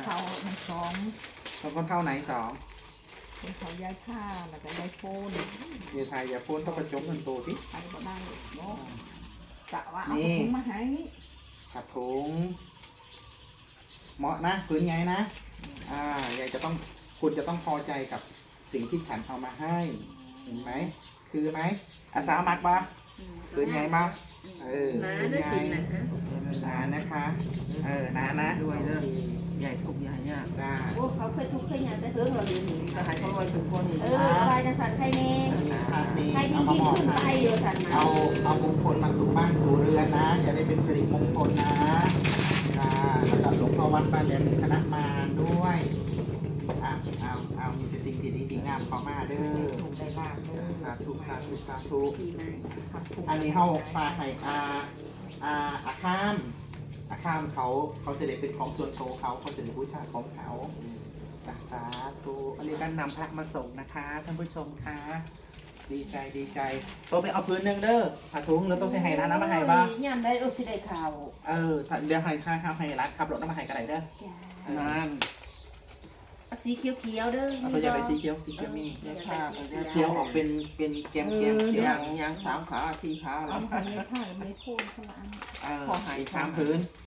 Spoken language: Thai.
เขามันสองแล้วก็เท่าไหนสองเป็นเขาย้ายผ้าแล้วก็ย้ายโฟนอย่าทายอย่าพูดต้องประจบเงินตัวที่ไปก็ได้เนาะกะว่าเอาถุงมาให้ขัดถุงเหมาะนะพื้นไงนะยายจะต้องคุณจะต้องพอใจกับสิ่งที่ฉันเอามาให้เห็นไหมคือไหมอาสามักปะพื้นไงบ้างพื้นไงนานะคะนานะด้วยเด้อใหญ่ทุกใหญ่ยากจ้าโอ้เขาเคยทุกข์เคยยากแต่เฮิงเราเรียนหนีก็ให้เขาลอยเป็นคนอีกใครจะสั่นใครเน่นี่ใครยิ่เอางมายิ่งบอกขึ้นไปให้เดี๋ยวสั่นมาเอามงคลมาสู่บ้านสู่เรือนนะจะได้เป็นสิริมงคลนะแล้วก็หลวงพ่อวัดบ้านแหลมมีคณะมาด้วยเอามีแต่สิ่งที่ดีที่งามเข้ามาเด้อถูกได้ลาบเลยสาธุสาธุสาธุดีมากครับถูกอันนี้เขาฝากให้อาข้ามเขาจะได้เป็นของส่วนตัวเขาจะได้บูชาของเขาสาธุอันนี้ก็นำพระมาส่งนะคะท่านผู้ชมคะดีใจโตไปเอาพื้นหนึ่งเด้อผ้าถุงแล้วต้องใส่ไห้ร้านน้ำมาไห้บ้างย่ำได้สิได้ข่าวเดี๋ยวไห้ค่าไห้ร้านขับรถน้ำมาไห้กันไหนเด้อนั่นสีเขียวๆเด้อเอาตัวอย่างไรสีเขียวมียาผ้าเขียวออกเป็นแกมเขียวยาง3 ขา 4 ขาเอาแล้วของในผ้าไม่พูดขนาดอีก3 พื้น